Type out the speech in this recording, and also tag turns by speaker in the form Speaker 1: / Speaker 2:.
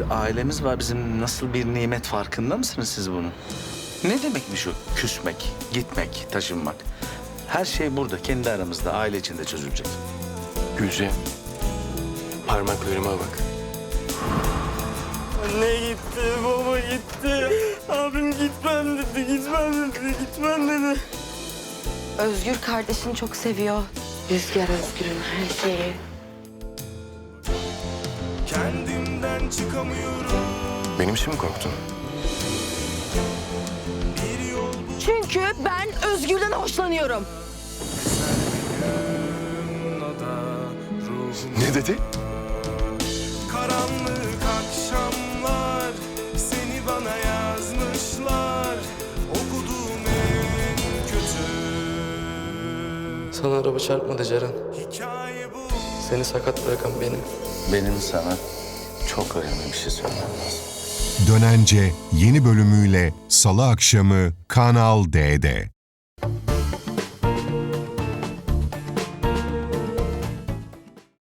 Speaker 1: ailemiz var. Bizim nasıl bir nimet, farkında mısınız siz bunun? Ne demekmiş o küsmek, gitmek, taşınmak? Her şey burada, kendi aramızda, aile içinde çözülecek.
Speaker 2: Gülce, parmaklarıma bak.
Speaker 3: Anne gitti, baba gitti. Abim gitmem dedi, gitmem dedi.
Speaker 4: Özgür kardeşini çok seviyor. Rüzgar Özgür'ün her şeyi.
Speaker 3: Kendimden çıkamıyorum.
Speaker 2: Benim için mi korktun?
Speaker 4: Çünkü ben Özgür'den hoşlanıyorum.
Speaker 2: Ne dedi?
Speaker 3: Karanlık akşamlar seni bana yazmışlar. Okuduğum en kötü
Speaker 5: Sana araba çarpmadı Ceren.
Speaker 3: hikaye bu.
Speaker 5: Seni sakat bırakan benim.
Speaker 1: Benim sana çok önemli bir şey söylemem lazım.
Speaker 6: Dönence yeni bölümüyle Salı akşamı Kanal D'de.